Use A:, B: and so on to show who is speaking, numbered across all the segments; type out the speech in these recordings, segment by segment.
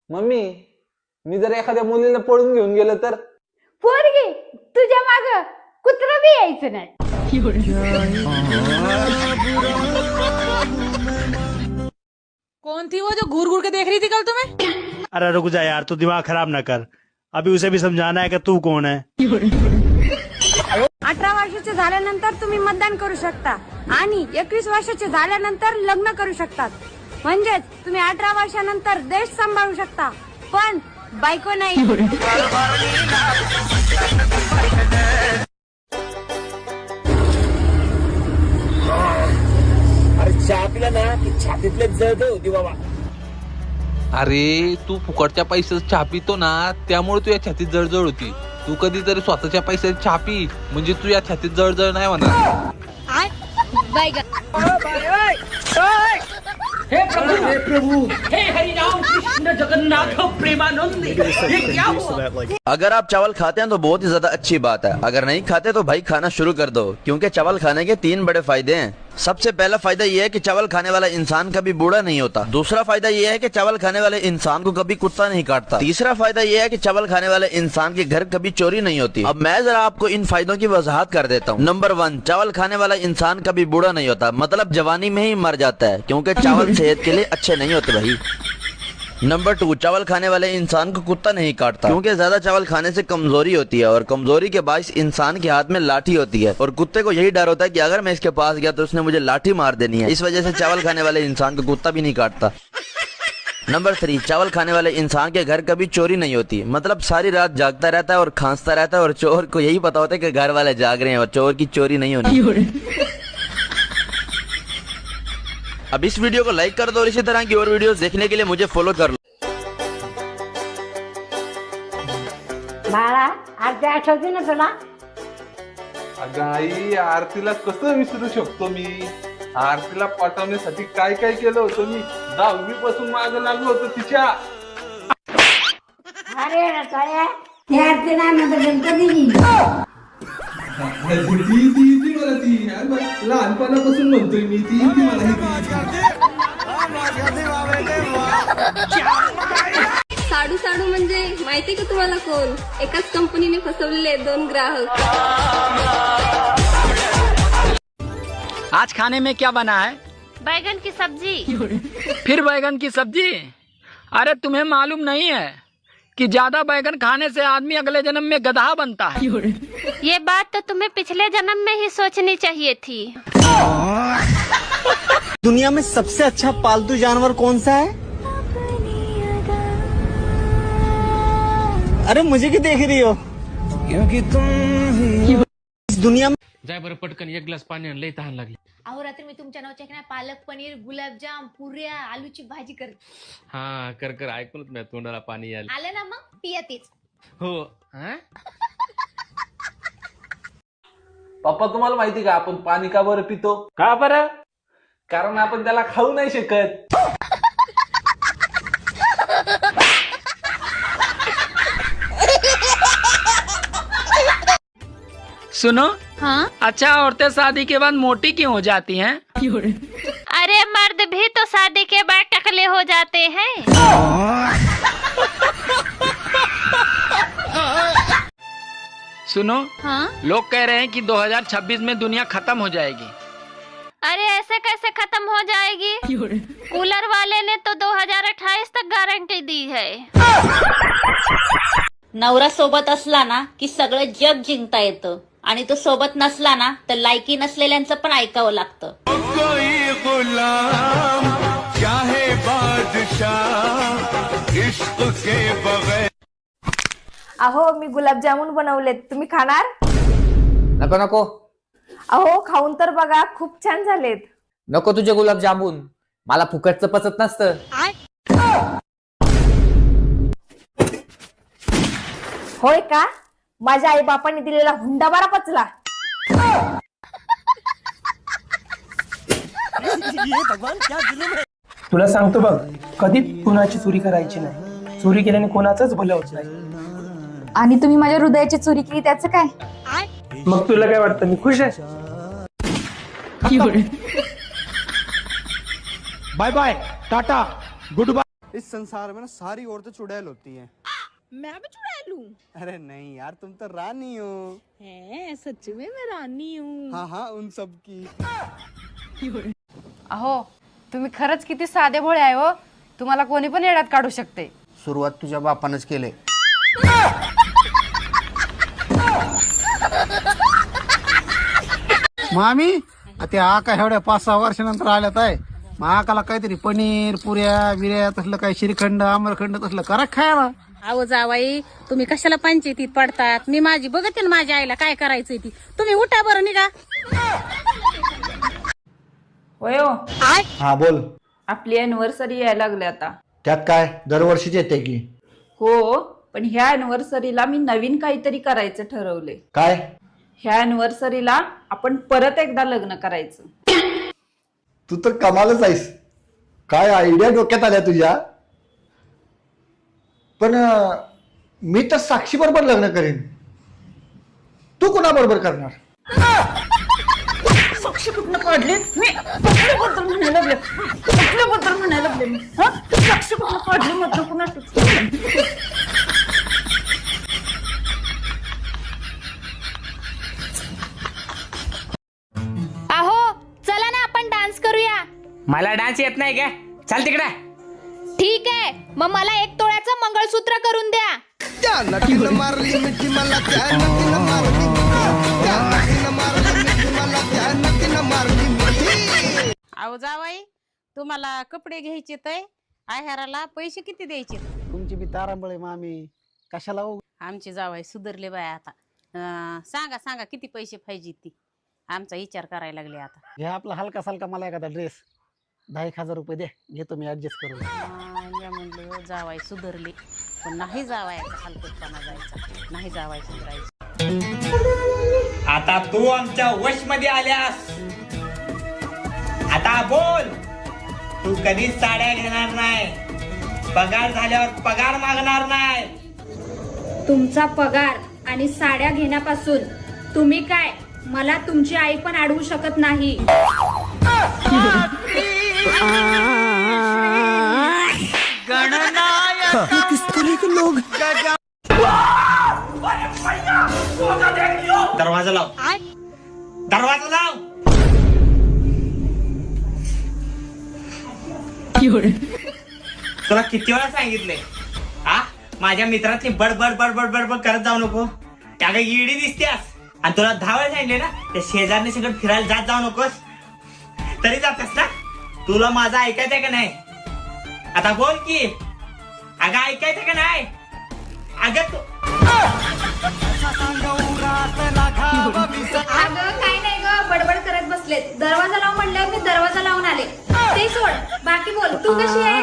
A: Mummy मी जर एखाद्या मुलीला पळून घेऊन गेलो तर?
B: पोरगी तुझ्या माग कुत्र बी यायचं नाही.
C: कौन थी वो जो घूर घूर के देख रही थी कल तुम्हें?
D: अरे रुक जा यार, तू दिमाग खराब ना कर. अभी उसे भी समझाना है कि तू कौन है.
B: 18 वर्षाचे झाल्यानंतर तुम्ही मतदान करू शकता आणि 21 वर्षाचे झाल्यानंतर लग्न करू शकतात. म्हणजेच तुम्ही 18 वर्षानंतर देश सांभाळू शकता, पण बायको नाही.
E: अरे चहा पिला ना की छातीतले जळत होती बाबा.
F: अरे तू फुकटच्या पैशाचं चहा पितो ना, त्यामुळे तू या छातीत जळजळ होती. तू कधीतरी स्वतःच्या पैशाची चहा पी, म्हणजे तू या छातीत जळजळ नाही होणार.
E: हे प्रभु हे हरि राम कृष्ण जगन्नाथ प्रेमानंद, ये क्या हुआ?
G: अगर आप चावल खाते हैं तो बहुत ही ज्यादा अच्छी बात है. अगर नहीं खाते तो भाई खाना शुरू कर दो, क्योंकि चावल खाने के 3 बड़े फायदे हैं. सबसे पहला फायदा ये है कि चावल खाने वाला इंसान कभी बूढ़ा नहीं होता. दूसरा फायदा ये है कि चावल खाने वाले इंसान को कभी कुत्ता नहीं काटता. तीसरा फायदा ये है कि चावल खाने वाले इंसान के घर कभी चोरी नहीं होती. अब मैं जरा आपको इन फायदों की वजाहत कर देता हूँ. नंबर 1, चावल खाने वाला इंसान कभी बूढ़ा नहीं होता, मतलब जवानी में ही मर जाता है, क्योंकि चावल सेहत के लिए अच्छे नहीं होते भाई. नंबर 2, चावल खाने वाले इंसान को कुत्ता नहीं काटता, क्योंकि ज्यादा चावल खाने से कमजोरी होती है और कमजोरी के बायस इंसान के हाथ में लाठी होती है और कुत्ते को यही डर होता है कि अगर मैं इसके पास गया तो उसने मुझे लाठी मार देनी है. इस वजह से चावल खाने वाले इंसान को कुत्ता भी नहीं काटता. नंबर 3, चावल खाने वाले इंसान के घर कभी चोरी नहीं होती, मतलब सारी रात जागता रहता है और खांसता रहता है और चोर को यही पता होता है कि घर वाले जाग रहे हैं और चोर की चोरी नहीं होनी. अब इस वीडियो को लाइक कर दो और इसी तरह की और वीडियोस देखने के लिए मुझे फॉलो कर लो.
B: बाळा आज आठवते ना तुला?
A: अगं आई, आरतीला कसं विसरू शकतो मी? आरतीला पटवण्यासाठी काय काय केलं होतं मी. 10वी पासून मागे लागलो होतो तिच्या.
B: अरे रताळ्या ती आरती नाही म्हणत गणपतीची.
A: ती मला ती लहानपणापासून म्हणतोय मी ती मला.
H: साडू साडू म्हणजे माहिती का तुम्हाला कोण? एकाच कंपनीने फसवलेले 2 ग्राहक.
E: आज खाने में क्या बना है?
H: बैगन की सब्जी.
E: फिर बैगन की सब्जी? अरे तुम्हें मालूम नहीं है कि ज्यादा बैगन खाने से आदमी अगले जन्म में गधा बनता है.
H: ये बात तो तुम्हें पिछले जन्म में ही सोचनी चाहिए थी.
D: दुनिया में सबसे अच्छा पालतू जानवर कौन सा है? अरे मुझे क्यों देख रही हो? क्योंकि तुम इस दुनिया में.
E: जाय बरं पटकन 1 ग्लास पाणी आण, लई तहान लागली.
I: अहो रात्री मी तुमच्या नावाच्या की नाही पालक पनीर, गुलाबजाम, पुऱ्या, आलूची भाजी करते.
E: हा कर कर, ऐकूनच मी तोंडाला पाणी आलं.
I: आलं ना मग पिया तेच.
E: हो.
A: पप्पा तुम्हाला माहिती का आपण पाणी का बरं पितो?
E: का बरं?
A: कारण आपण त्याला खाऊ नाही शकत.
E: सुनो.
H: हाँ?
E: अच्छा, औरतें शादी के बाद मोटी क्यों हो जाती हैं?
H: अरे मर्द भी तो शादी के बाद टकले हो जाते हैं.
E: सुनो.
H: हाँ?
E: लोग कह रहे हैं कि 2026 में दुनिया खत्म हो जाएगी.
H: अरे ऐसे कैसे खत्म हो जाएगी? कूलर वाले ने तो 2028 तक गारंटी दी है.
I: नवरा सोबत असला ना की सगळं जग जिंकता येतं आणि तो सोबत नसला ना तर लायकी नसलेल्यांचं पण ऐकावं लागतं.
B: अहो मी गुलाबजामुन बनवलेत, तुम्ही खाणार?
J: नको नको
B: अहो खाऊन तर बघा, खूप छान झालेत.
J: नको तुझे गुलाबजामुन, मला फुकटचं पचत नसतं.
B: होय का? माझ्या आई बापाने दिलेला हुंडा बारा पचला.
K: तुला सांगतो बघ, कधीच कुणाची चोरी करायची नाही. चोरी केल्याने कोणाचंच भलं होत नाही.
B: आणि तुम्ही माझ्या हृदयाची चोरी केली त्याचं काय?
K: मग तुला काय वाटतं मी खुश आहे?
D: Bye bye, tata, good bye. इस संसार में ना सारी औरतें चुड़ैल होती हैं।
C: मैं भी चुड़ैल हूँ?
D: अरे नहीं यार, तुम तो रानी हो।
C: है सच में मैं रानी हूँ।
D: हाँ हाँ, उन सब की।
B: अहो तुम्ही खरंच किती साधे भोळे आहे हो. तुम्हाला कोणी पण येड्यात काढू शकते.
D: सुरुवात तुझ्या बापानच केले. मामी ते आका एवढ्या 5-6 वर्षानंतर आल्यात आहे. मग आकाला काहीतरी पनीर पुऱ्या बिऱ्या तसलं काही श्रीखंड आम्रखंड तसलं करा खायला.
C: अहो जावाई, तुम्ही कशाला पंचायतीत पडतात? मी माझी बघते ना माझ्या आईला काय करायचंय ती. तुम्ही उठा बरं निघा.
L: होय हो.
D: हा बोल.
L: आपली अॅनिव्हर्सरी यायला लागली आता.
D: त्यात काय दरवर्षीच येते की.
L: हो, पण ह्या अॅनिव्हर्सरीला मी नवीन काहीतरी करायचं ठरवले.
D: काय?
L: ह्या अॅनिव्हर्सरीला आपण परत एकदा लग्न करायचं.
D: तू तर कमालच आहेस. काय आयडिया डोक्यात आल्या तुझ्या. पण मी तर साक्षी बरोबर लग्न करेन. तू कोणाबरोबर करणार?
L: साक्षी कुठनं काढली? मी कुठल्याबद्दल म्हणायला लागले? कुठल्याबद्दल म्हणायला लागले मी? साक्षी कुठनं काढली म्हटलं कुणा?
H: अहो चला ना आपण डान्स करूया.
J: मला डान्स येत नाही का? चाल तिकडे.
H: ठीक आहे, मग मला 1 तोळ्याचं मंगळसूत्र करून द्या.
C: अहो जावाई, तुम्हाला कपडे घ्यायचे तर आहाराला पैसे किती द्यायचे?
D: तुमची बी तारांबळे मामी कशाला हो.
C: आमचे जावाई सुधरले बाय आता. सांगा सांगा किती पैसे पाहिजे ती. आमचा विचार करायला लागले आता.
D: हे आपला हलका सलका मला एखादा ड्रेस 10,000 रुपये दे, घेतो मी ऍडजस्ट करून.
C: मी म्हणलं जावाई सुधरले, पण नाही जावायचा हलकटपणा जायचा, नाही जावाय सुधरायचं.
J: आता तू आमच्या वश मध्ये आल्यास आता बोल. तू कधीच साड्या घेणार नाही. पगार झाल्यावर पगार मागणार नाही.
B: तुमचा पगार आणि साड्या घेण्यापासून तुम्ही काय मला तुमची आई पण अडवू शकत नाही.
J: दरवाजा लाव. दरवाजा लाव. तुला किती वेळा सांगितले हा, माझ्या मित्रातली बडबड बडबड बडबड करत जाऊ नको. त्या काही इडी दिसतेस. आणि तुला 10 वेळा सांगितले ना, त्या शेजारने सगळं फिरायला जात जाऊ नकोस. तरी जातेस ना. तुला माझं ऐकायचंय का नाही? आता बोल की. अगं ऐकायचं का नाही? अगं तू
B: अगं काय नाही ग, बडबड करत बसलेत. दरवाजा लाव म्हणल्यावर मी दरवाजा लावून आले. ते सोड, बाकी बोल. तू कशी आहेस?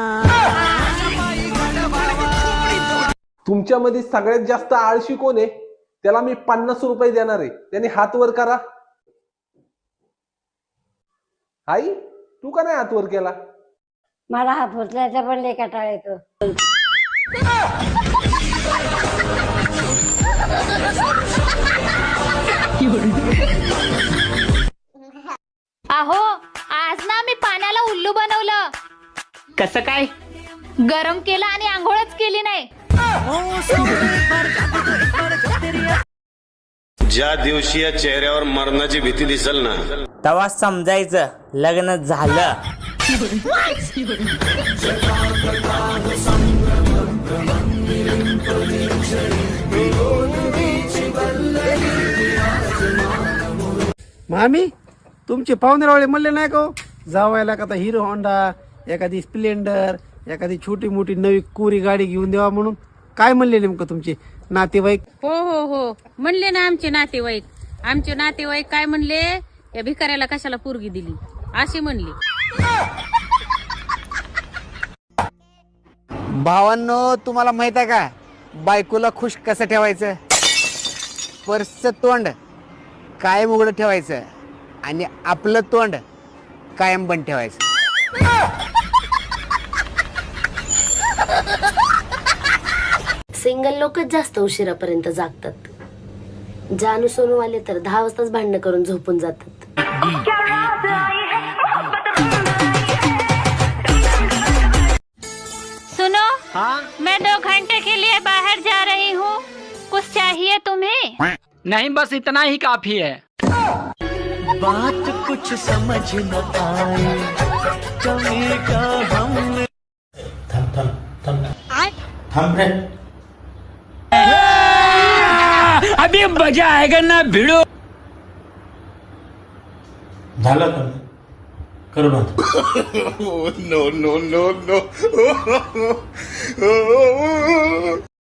A: तुमच्यामध्ये सगळ्यात जास्त आळशी कोण आहे? त्याला मी 50 रुपये देणार आहे. त्याने हात वर करा. आई तू का नाही हात वर केला?
B: मला हात उचलायचा पण लय कंटाळा येतो.
H: अहो आज ना मी पाण्याला उल्लू बनवलं.
J: कसं काय?
H: गरम केलं आणि आंघोळच केली नाही.
M: ज्या दिवशी या चेहऱ्यावर मरणाची भीती दिसल ना,
J: तेव्हा समजायचं लग्न झालं.
D: मामी तुमचे पाहुणेरावळे म्हणले नाही का जावायला का हिरो होंडा, एखादी स्प्लेंडर, एखादी छोटी मोठी नवी कोरी गाडी घेऊन द्यावा म्हणून? काय म्हणले नेमकं तुमचे नातेवाईक?
C: हो हो हो म्हणले ना आमचे नातेवाईक. आमचे नातेवाईक काय म्हणले, या भिकाऱ्याला कशाला पोरगी दिली अशी म्हणली.
J: भावांनो, तुम्हाला माहित आहे का बायकोला खुश कसं ठेवायचं? पर्सचं तोंड कायम उघडं ठेवायचं आणि आपलं तोंड कायम बंद ठेवायचं.
N: सिंगल लोकच जास्त उशिरापर्यंत जागतात. जानू सोनूवाले तर 10 वाजताच भांडणं करून झोपून जातात.
E: हाँ
H: मैं 2 घंटे के लिए बाहर जा रही हूँ, कुछ चाहिए तुम्हें?
E: नहीं, बस इतना ही काफी है।
O: बात कुछ समझ न आए, कमी का हम
J: थांब रे।
E: अभी मजा आएगा ना भिड़ो।
J: झालं का? करू बंद।
M: No no no no